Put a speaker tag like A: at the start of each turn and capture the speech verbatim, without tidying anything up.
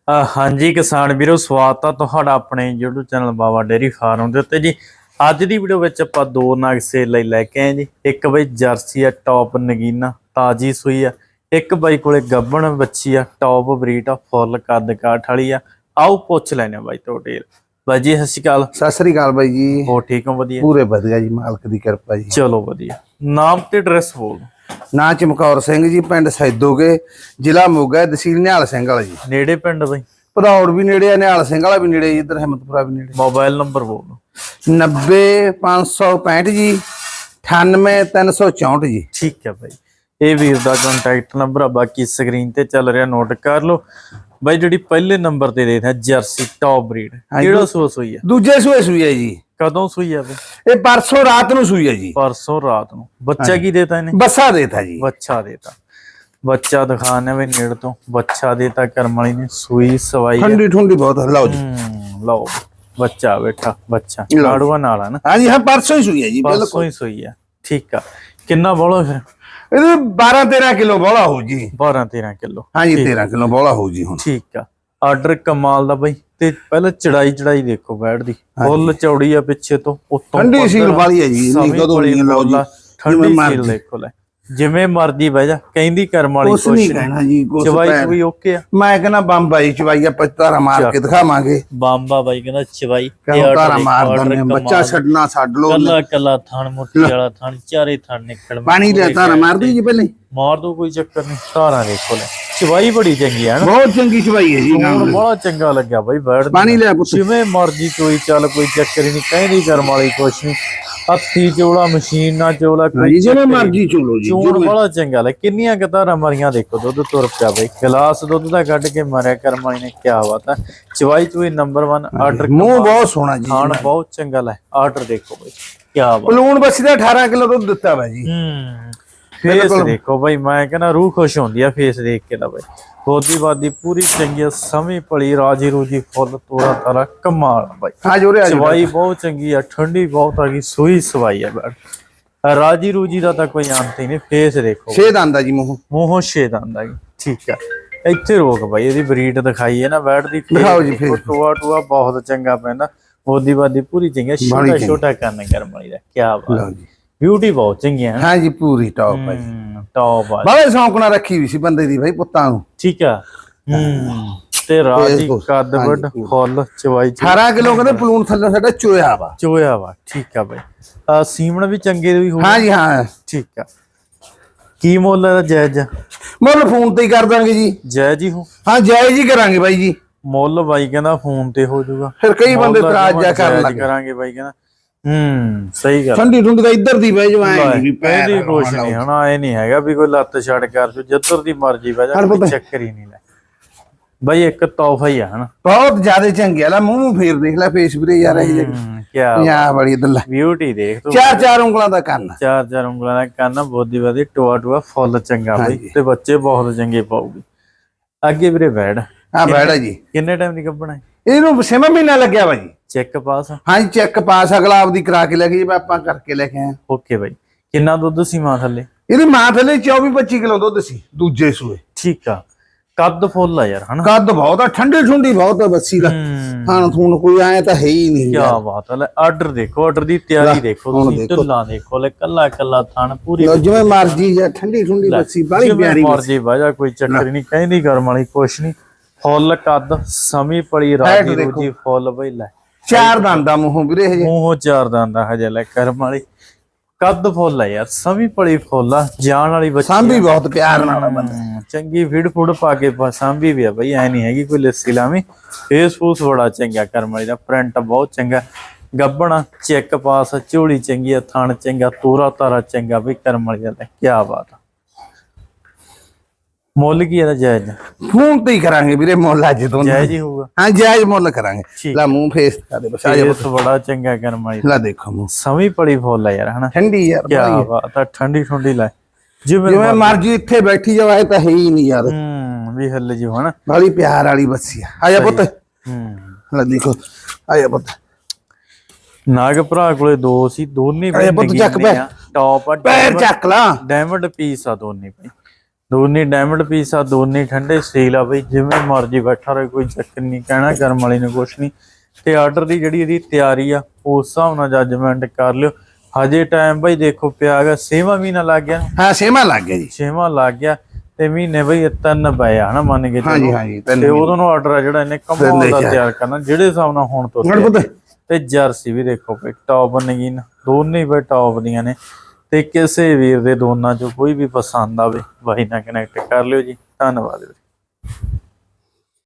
A: ਅ, ਹਾਂਜੀ ਕਿਸਾਨ ਵੀਰੋ, ਸਵਾਗਤ ਆ ਤੁਹਾਡਾ ਆਪਣੇ YouTube channel Baba dairy farm ਦੇ ਉੱਤੇ ਜੀ। ਅੱਜ ਦੀ ਵੀਡੀਓ ਵਿੱਚ ਆਪਾਂ ਦੋ ਨਗ ਸੇਲ ਲਈ ਲੈ ਕੇ ਆਏ ਜੀ। ਇੱਕ ਬਈ ਜਰਸੀ ਆ ਟੌਪ ਨਗੀਨਾ ਤਾਜੀ ਸੂਈ ਆ, ਇੱਕ ਬਾਈ ਕੋਲੇ ਗੱਬਣ ਬੱਚੀ ਆ ਟੌਪ ਬਰੀਡ ਆ ਫੁੱਲ ਕੱਦ ਕਾਠ ਵਾਲੀ ਆ। ਆਓ ਪੁੱਛ ਲੈਣੇ ਬਾਈ ਤੋਂ ਡਿਟੇਲ। ਬਾਈ ਜੀ ਸਤਿ ਸ਼੍ਰੀ ਅਕਾਲ।
B: ਸਤਿ ਸ੍ਰੀ ਅਕਾਲ ਬਾਈ ਜੀ।
A: ਹੋ ਠੀਕ ਹੋ? ਵਧੀਆ,
B: ਪੂਰੇ ਵਧੀਆ ਜੀ, ਮਾਲਕ ਦੀ ਕਿਰਪਾ ਜੀ।
A: ਚਲੋ ਵਧੀਆ। ਨਾਮ ਤੇ ਐਡਰੈਸ ਬੋਲ।
B: ਨਾਂ ਚਮਕੌਰ ਸਿੰਘ ਜੀ, ਪਿੰਡ ਸੈਦੋਗੇ, ਜ਼ਿਲ੍ਹਾ ਮੋਗਾ, ਤਹਿਸੀਲ ਨਿਹਾਲ ਸਿੰਘ ਵਾਲਾ ਜੀ।
A: ਨੇੜੇ ਪਿੰਡ ਬਾਈ?
B: ਭਦੌੜ ਵੀ ਨੇੜੇ ਆ, ਨਿਹਾਲ ਸਿੰਘ ਵਾਲਾ ਵੀ ਨੇੜੇ, ਇੱਧਰ ਹਿੰਮਤਪੁਰਾ ਵੀ ਨੇੜੇ।
A: ਮੋਬਾਈਲ ਨੰਬਰ ਬੋਲ।
B: ਨੱਬੇ ਪੰਜ ਸੌ ਪੈਂਹਠ ਜੀ, ਅਠਾਨਵੇਂ ਤਿੰਨ ਸੌ ਚੌਂਹਠ ਜੀ।
A: ਠੀਕ ਹੈ ਬਾਈ, ਇਹ ਵੀਰ ਦਾ ਕੰਟੈਕਟ ਨੰਬਰ ਆ, ਬਾਕੀ ਸਕਰੀਨ ਤੇ ਚੱਲ ਰਿਹਾ, ਨੋਟ ਕਰ ਲਓ। ਬਾਈ ਜਿਹੜੀ ਪਹਿਲੇ ਨੰਬਰ ਤੇ ਦੇਖਦਾ ਜਰਸੀ ਟੌਪ ਬਰੀਡ, ਕਿਹੜਾ ਸੂਆ ਸੂਈ ਆ?
B: ਦੂਜੇ ਸੂਏ ਸੂਈ ਹੈ ਜੀ।
A: ਕਦੋਂ ਸੂਈ ਆ ਬਈ?
B: ਇਹ ਪਰਸੋਂ ਰਾਤ ਨੂੰ ਸੂਈ ਹੈ ਜੀ।
A: ਪਰਸੋਂ ਰਾਤ ਨੂੰ। ਬੱਚਾ ਕੀ ਦੇਤਾ ਇਹਨੇ?
B: ਬੱਸਾ ਦੇਤਾ ਜੀ।
A: ਬੱਚਾ ਦੇਤਾ। ਬੱਚਾ ਦਿਖਾਣੇ ਵੀ ਨੇੜ ਤੋਂ। ਬੱਚਾ ਦੇਤਾ ਕਰਮ ਵਾਲੀ ਨੇ, ਸੂਈ ਸਵਾਈ
B: ਠੰਡੀ ਠੰਡੀ ਬਹੁਤ। ਲਓ ਜੀ,
A: ਹੂੰ ਲਓ ਬੱਚਾ ਬੈਠਾ। ਬੱਚਾ ਲਾੜੂਆ ਨਾਲ ਆ ਨਾ?
B: ਹਾਂਜੀ ਹਾਂ, ਪਰਸੋਂ ਹੀ ਸੂਈ ਹੈ ਜੀ।
A: ਪਰਸੋਂ ਹੀ ਸੂਈ ਆ। ਠੀਕ ਆ। ਕਿੰਨਾ ਬੋਲੋ ਫਿਰ?
B: ਇਹਦੇ ਬਾਰਾਂ ਤੇਰਾਂ ਕਿਲੋ ਬੋਲਾ ਹੋਊ ਜੀ।
A: ਬਾਰਾਂ ਤੇਰਾਂ ਕਿਲੋ।
B: ਹਾਂਜੀ, ਤੇਰਾਂ ਕਿਲੋ ਬੋਲਾ ਹੋਊ ਜੀ ਹੁਣ।
A: ਠੀਕ ਆ। ਆਰਡਰ ਕਮਾਲ ਦਾ ਬਾਈ। ਤੇ ਪਹਿਲਾਂ ਚੜਾਈ ਚੜਾਈ ਦੇਖੋ ਬੈਠ ਦੀ, ਫੁੱਲ ਚੌੜੀ ਆ ਪਿੱਛੇ ਤੋਂ, ਉੱਤੋਂ
B: ਠੰਡੀ ਸੀਲ ਵਾਲੀ ਹੈ ਜੀ। ਇੰਨੀ ਕਦੋਂ ਨਹੀਂ ਲਓ ਜੀ,
A: ਠੰਡੀ ਸੀਲ ਦੇਖੋ ਲੈ, ਜਿਵੇਂ ਮਰਜੀ ਬਹਿ ਜਾ, ਕਹਿੰਦੀ ਕਰਮ ਵਾਲੀ
B: ਕੁਛ ਨਹੀਂ ਕਹਿਣਾ ਜੀ। ਕੁਛ
A: ਚਵਾਈ ਚੁਈ ਓਕੇ ਆ।
B: ਮੈਂ ਕਹਿੰਦਾ ਬੰਬਾਈ ਚਵਾਈ ਆਪਾਂ ਧਾਰਾ ਮਾਰ ਕੇ ਦਿਖਾਵਾਂਗੇ।
A: ਬੰਬਾ ਬਾਈ ਕਹਿੰਦਾ ਚਵਾਈ
B: ਧਾਰਾ ਮਾਰ ਦਿੰਦੇ, ਬੱਚਾ ਛੱਡਣਾ ਛੱਡ ਲੋ।
A: ਕੱਲਾ ਕੱਲਾ ਥਣ ਮੁੱਠੀ ਵਾਲਾ ਥਣ, ਚਾਰੇ ਥਣ ਨਿਕਲ।
B: ਪਾਣੀ ਲੈ ਧਾਰਾ ਮਾਰ ਦੋ ਜੀ ਪਹਿਲੇ।
A: ਮਾਰ ਦੋ, ਕੋਈ ਚੱਕਰ ਨਹੀਂ। ਧਾਰਾ ਦੇਖੋ ਲੈ, ਚਵਾਈ ਬੜੀ ਚੰਗੀ ਆ ਨਾ,
B: ਬਹੁਤ ਚੰਗੀ ਚਵਾਈ ਹੈ ਜੀ।
A: ਬਹੁਤ ਚੰਗਾ ਲੱਗਿਆ ਬਾਈ ਬੈਠ।
B: ਪਾਣੀ ਲੈ ਪੁੱਤ,
A: ਜਿਵੇਂ ਮਰਜੀ ਚੋਈ ਚੱਲ, ਕੋਈ ਚੱਕਰ ਹੀ ਨਹੀਂ। ਕਹਿੰਦੀ ਕਰਮ ਵਾਲੀ ਕੁਛ ਨਹੀਂ। ਹੱਥੀ ਚੋਲਾ, ਮਸ਼ੀਨ ਨਾਲ ਚੋਲਾ, ਕੋਈ
B: ਜਿਵੇਂ ਮਰਜੀ ਚੋਲੋ ਜੀ।
A: ਚੋਣ ਬੜਾ ਚੰਗਾ ਲੈ। ਕਿੰਨੀਆਂ ਕਤਾਰਾਂ ਮਰੀਆਂ ਦੇਖੋ, ਦੁੱਧ ਤੁਰ ਪਿਆ ਬਈ। ਗਲਾਸ ਦੁੱਧ ਦਾ ਕੱਢ ਕੇ ਮਾਰਿਆ ਕਰਮ ਵਾਲੀ ਨੇ, ਕਿਆ ਬਾਤ ਹੈ। ਚਵਾਈ ਚੋਈ ਨੰਬਰ ਇੱਕ। ਆਰਡਰ
B: ਮੂੰਹ ਬਹੁਤ ਸੋਹਣਾ ਜੀ,
A: ਖਾਣ ਬਹੁਤ ਚੰਗਾ ਲੈ। ਆਰਡਰ ਦੇਖੋ ਬਈ, ਕਿਆ ਬਾਤ।
B: ਪਲੂਣ ਬੱਸੀ ਦਾ ਅਠਾਰਾਂ ਕਿਲੋ ਦੁੱਧ ਦਿੱਤਾ ਵਾ ਜੀ।
A: ਹੂੰ ਫੇਸ ਦੇਖੋ ਬਈ, ਮੈਂ ਕਹਿੰਦਾ ਰੂਹ ਖੁਸ਼ ਹੁੰਦੀ ਆ ਫੇਸ ਦੇਖ ਕੇ ਤਾਂ ਬਈ। ਬੋਦੀ ਬਾਦੀ ਪੂਰੀ ਚੰਗੀ, ਸਮੀ ਪਲੀ, ਰਾਜੀ ਰੂਜੀ ਫੁੱਲ, ਤੋਰਾ ਤਾਰਾ ਕਮਾਲ ਬਾਈ।
B: ਹਾਂ ਜੋਰੇ ਆ।
A: ਚਵਾਈ ਬਹੁਤ ਚੰਗੀ ਆ, ਠੰਡੀ ਬਹੁਤ ਆ ਗਈ, ਸੂਈ ਸਵਾਈ ਆ ਬੈਠ। ਰਾਜੀ ਰੂਜੀ ਦਾ ਤਾਂ ਕੋਈ ਅੰਤ ਹੀ ਨਹੀਂ। ਫੇਸ ਦੇਖੋ,
B: ਛੇ ਦੰਦ ਆ ਜੀ ਮੂੰਹ।
A: ਮੂੰਹੋਂ ਛੇ ਦੰਦ ਆ ਗਈ। ਠੀਕ ਆ। ਇੱਥੇ ਰੋਕ ਬਾਈ, ਇਹਦੀ ਬਰੀਡ ਦਿਖਾਈ ਹੈ ਨਾ ਬੈਠ ਦੀ।
B: ਦਿਖਾਓ ਜੀ ਫੇਸ।
A: ਟੂਆ ਟੂਆ ਬਹੁਤ ਚੰਗਾ ਪੈਂਦਾ। ਬੋਦੀ ਬਾਦੀ ਪੂਰੀ ਚੰਗੀ, ਛੋਟਾ ਛੋਟਾ ਕੰਨ ਕਰਮ ਵਾਲੀ ਦਾ, ਕਿਆ ਬਾਤ। ਬਿਊਟੀ ਬਹੁਤ ਚੰਗੀ ਹੈ।
B: ਹਾਂ ਜੀ, ਪੂਰੀ ਟੌਪ ਹੈ ਜੀ।
A: ਟੌਪ ਆ।
B: ਬਾਲੇ ਸੌਂਕਣਾ ਰੱਖੀ ਵੀ ਸੀ ਬੰਦੇ ਦੀ ਭਾਈ ਪੁੱਤਾਂ ਨੂੰ।
A: ਠੀਕ ਆ। ਹੂੰ ਤੇ ਰਾਜੀ ਕੱਦ ਵੱਡ ਫੁੱਲ, ਚਵਾਈ
B: ਅਠਾਰਾਂ ਕਿਲੋ ਕਹਿੰਦੇ ਪਲੂਣ ਥੱਲੇ ਸਾਡਾ ਚੋਇਆ ਵਾ।
A: ਚੋਇਆ ਵਾ। ਠੀਕ ਆ ਬਾਈ। ਆ ਸੀਮਣ ਵੀ ਚੰਗੇ ਵੀ ਹੋ।
B: ਹਾਂ ਜੀ ਹਾਂ।
A: ਠੀਕ ਆ। ਕੀ ਮੁੱਲ ਹੈ ਜਾਇਜ਼?
B: ਮੁੱਲ ਫੋਨ ਤੇ ਹੀ ਕਰ ਦਾਂਗੇ ਜੀ।
A: ਜਾਇਜ਼ ਹੀ ਹੋ?
B: ਹਾਂ ਜਾਇਜ਼ ਹੀ ਕਰਾਂਗੇ ਬਾਈ ਜੀ।
A: ਮੁੱਲ ਬਾਈ ਕਹਿੰਦਾ ਫੋਨ ਤੇ ਹੋ ਜਾਊਗਾ।
B: ਫਿਰ ਕਈ ਬੰਦੇ ਇਤਰਾਜ਼ ਜਾ ਕਰਨ ਲੱਗ
A: ਕਰਾਂਗੇ ਬਾਈ ਕਹਿੰਦਾ। ਹੂੰ ਸਹੀ ਗੱਲ।
B: ਠੰਡੀ ਠੰਡੀ ਦਾ ਇੱਧਰ ਦੀ ਬਹਿ ਜਾਵਾਂ
A: ਵੀ ਪਹਿਲੀ ਕੁਛ ਨਹੀਂ ਹਨਾ। ਇਹ ਨਹੀਂ ਹੈਗਾ ਵੀ ਕੋਈ ਲੱਤ ਛੱਡ ਕਰ ਜੋ, ਜਿੱਧਰ ਦੀ ਮਰਜੀ ਬਹਿ ਜਾ, ਕੋਈ ਚੱਕਰ ਹੀ ਨਹੀਂ ਲੈ ਬਾਈ। ਇੱਕ ਤੋਹਫਾ ਹੀ ਆ ਹਨਾ, ਬਹੁਤ
B: ਜ਼ਿਆਦਾ ਚੰਗੇ ਆ। ਮੂੰਹ ਫੇਰ ਦੇਖ ਲੈ ਫੇਸ ਵੀਰੇ ਯਾਰ। ਇਹ
A: ਕਿਆ
B: ਪੰਜਾਬ ਵਾਲੀ ਇਧਰ
A: ਬਿਊਟੀ ਦੇਖ ਤੂੰ।
B: ਚਾਰ ਚਾਰ ਉਂਗਲਾਂ ਦਾ ਕੰਨ,
A: ਚਾਰ ਚਾਰ ਉਂਗਲਾਂ ਦਾ ਕੰਨ, ਬੋਦੀ ਬਾਦੀ ਟੋਆ ਟੋਆ ਫੁੱਲ ਚੰਗਾ ਬਾਈ। ਤੇ ਬੱਚੇ ਬਹੁਤ ਚੰਗੇ ਪਾਉਗੀ। ਅੱਗੇ ਵੀਰੇ ਬੈੜ।
B: ਹਾਂ ਬੈੜ ਜੀ।
A: ਕਿੰਨੇ ਟਾਈਮ ਦੀ ਗੱਭਣਾ?
B: ਇਹਨੂੰ ਛੇਵਾਂ ਮਹੀਨਾ ਲੱਗਿਆ ਵਾ ਜੀ।
A: Check pass?
B: ਹਾਂ ਜੀ ਚੈੱਕ ਪਾਸ। ਅਗਲਾ ਆਪਦੀ ਕਰਾ ਕੇ ਲੈ ਕੇ ਜੀ, ਆਪਾਂ ਕਰਕੇ ਲੈ ਕੇ ਆਏ।
A: Okay bye. ਕਿੰਨਾ ਦੁੱਧ ਸੀ ਮਾਂ ਥੱਲੇ?
B: ਇਹਦੀ ਮਾਂ ਥੱਲੇ ਚੌਵੀ ਪੱਚੀ ਕਿਲੋ ਦੁੱਧ ਸੀ ਦੂਜੇ ਸੂਏ।
A: ਠੀਕ ਆ। ਕੱਦ ਫੁੱਲ ਆ ਯਾਰ ਹਨਾ।
B: ਕੱਦ ਬਹੁਤ ਆ, ਠੰਡੀ ਠੰਡੀ ਬਹੁਤ ਆ ਬੱਸੀ ਦਾ। ਖਾਣ ਥੂਣ ਕੋਈ ਆਏ ਤਾਂ ਹੈ ਹੀ ਨਹੀਂ।
A: ਕਿਆ ਬਾਤ ਹੈ। ਆਰਡਰ ਦੇਖੋ, ਆਰਡਰ ਦੀ ਤਿਆਰੀ ਦੇਖੋ ਤੁਸੀਂ, ਢੁੱਲਾਂ ਦੇਖੋ ਲੈ, ਕੱਲਾ ਕੱਲਾ ਥਣ ਪੂਰੀ
B: ਜਿਵੇਂ ਮਰਜੀ ਜਾਂ ਠੰਡੀ ਠੰਡੀ ਬੱਸੀ ਬਾਲੀ ਪਿਆਰੀ
A: ਮਰਜੀ ਬਾਜਾ, ਕੋਈ ਚੱਕਰ ਨਹੀਂ। ਕਹਿੰਦੀ ਗਰਮ ਵਾਲੀ ਕੁਛ ਨਹੀਂ। ਫੁੱਲ ਕੱਦ, ਸਮੀ ਪਲੀ, ਰਾਜੀ ਰੂਜੀ ਫੁੱਲ ਬਈ ਲੈ।
B: ਚਾਰ ਦੰਦ ਦਾ ਮੂੰਹੋਂ ਵੀਰੇ ਹਜੇ।
A: ਮੂੰਹੋਂ ਚਾਰ ਦੰਦ ਦਾ ਹਜੇ ਲੈ। ਕਰਮ ਵਾਲੀ ਕੱਦ ਫੁੱਲ ਆ ਯਾਰ, ਸਮੀ ਪਲੀ ਫੁੱਲ ਆ, ਜਾਣ ਵਾਲੀ ਬੱਚੀ।
B: ਸਾਂਭੀ ਬਹੁਤ ਪਿਆਰ ਨਾਲ ਬੰਦਾ
A: ਚੰਗੀ ਫੀਡ ਫੂਡ ਪਾ ਕੇ ਸਾਂਭੀ ਵੀ ਆ ਬਈ। ਐ ਨਹੀਂ ਹੈਗੀ ਕੋਈ ਲੱਸੀ ਲਾਵੀਂ। ਫੇਸ ਫੂਸ ਬੜਾ ਚੰਗਾ ਕਰਮ ਵਾਲੀ ਦਾ, ਪ੍ਰਿੰਟ ਬਹੁਤ ਚੰਗਾ। ਗੱਬਣਾ ਚੈੱਕ ਪਾਸ, ਝੋਲੀ ਚੰਗੀ ਆ, ਥਣ ਚੰਗਾ, ਤੋਰਾ ਤਾਰਾ ਚੰਗਾ ਬਈ ਕਰਮ ਵਾਲੀ ਦਾ। ਕਿਆ ਬਾਤ ਆ। ਮੁੱਲ ਕੀ ਇਹਦਾ ਜਾਇਜ਼?
B: ਫੋਨ ਤੇ ਹੀ ਕਰਾਂਗੇ ਵੀਰੇ ਮੁੱਲ। ਅੱਜ ਤੋਂ
A: ਜਾਇਜ਼ ਹੀ ਹੋਊਗਾ।
B: ਹਾਂ ਜਾਇਜ਼ ਮੁੱਲ ਕਰਾਂਗੇ। ਲੈ ਮੂੰਹ ਫੇਸ ਕਰ ਦੇ ਬਸ।
A: ਫੇਸ ਬੜਾ ਚੰਗਾ ਕਰਮ ਵਾਲੀ।
B: ਲੈ ਦੇਖੋ ਮੂੰਹ
A: ਸਮੀ ਪਲੀ ਫੁੱਲ ਆ ਯਾਰ ਹਨਾ।
B: ਠੰਡੀ ਯਾਰ,
A: ਕਿਆ ਬਾਤ ਆ। ਠੰਡੀ ਠੰਡੀ ਲੈ,
B: ਜਿਵੇਂ ਮਰਜੀ ਇੱਥੇ ਬੈਠੀ ਜਾਓ। ਇਹ ਤਾਂ ਹੈ ਹੀ ਨਹੀਂ ਯਾਰ।
A: ਹੂੰ ਵੀ ਹੱਲੇ ਜੀ ਹਨਾ।
B: ਬਾਲੀ ਪਿਆਰ ਵਾਲੀ ਬੱਸੀ ਆ। ਆ ਜਾ ਪੁੱਤ।
A: ਹੂੰ
B: ਲੈ ਦੇਖੋ, ਆ ਜਾ ਪੁੱਤ।
A: ਨਾਗ ਭਰਾ ਕੋਲੇ ਦੋ ਸੀ, ਦੋਨੇ
B: ਪੁੱਤ ਚੱਕ ਪੈ
A: ਟੌਪ ਆ।
B: ਪੈਰ ਚੱਕ ਲਾ।
A: ਡਾਇਮੰਡ ਪੀਸ ਆ ਦੋਨੇ ਭਾਈ। ਦੋਨੇ ਡਾਇਮੰਡ ਪੀਸ ਆ, ਦੋਨੇ ਠੰਡੇ ਸੇਲ ਆ ਬਈ, ਜਿਵੇਂ ਮਰਜੀ ਬੈਠਾ ਰਹੇ, ਕੋਈ ਚੱਕਰ ਨਹੀਂ, ਕਹਿਣਾ ਕਰਮ ਵਾਲੀ ਨੂੰ ਕੁਛ ਨਹੀਂ। ਤੇ ਆਰਡਰ ਦੀ ਜਿਹੜੀ ਇਹਦੀ ਤਿਆਰੀ ਆ ਉਸ ਹਿਸਾਬ ਨਾਲ ਜੱਜਮੈਂਟ ਕਰ ਲਿਓ। ਹਜੇ ਟਾਈਮ ਬਈ ਦੇਖੋ ਪਿਆ ਹੈਗਾ, ਛੇਵਾਂ ਮਹੀਨਾ ਲੱਗ ਗਿਆ,
B: ਹਾਂ ਛੇਵਾਂ ਲੱਗ ਗਿਆ ਜੀ,
A: ਛੇਵਾਂ ਲੱਗ ਗਿਆ ਤੇ ਮਹੀਨੇ ਬਈ ਤਿੰਨ ਪਏ ਆ ਹਨਾ, ਮੰਨ ਕੇ
B: ਹਾਂਜੀ ਹਾਂਜੀ
A: ਤੇ ਉਦੋਂ ਨੂੰ ਆਰਡਰ ਆ ਜਿਹੜਾ ਇਹਨੇ ਕਮਾਲ ਦਾ ਤਿਆਰ ਕਰਨਾ, ਜਿਹੜੇ ਹਿਸਾਬ ਨਾਲ ਹੁਣ ਤੋਂ ਤੇ ਜਰਸੀ ਵੀ ਦੇਖੋ ਬਈ ਟੌਪ ਨਗੀਨ, ਦੋਨੇ ਬਈ ਟੌਪ ਦੀਆਂ ਨੇ। ਤੇ ਕਿਸੇ ਵੀਰ ਦੇ ਦੋਨਾਂ ਚੋਂ ਕੋਈ ਵੀ ਪਸੰਦ ਆਵੇ ਬਾਈ ਨਾਲ ਕਨੈਕਟ ਕਰ ਲਿਓ ਜੀ। ਧੰਨਵਾਦ ਵੀਰੇ।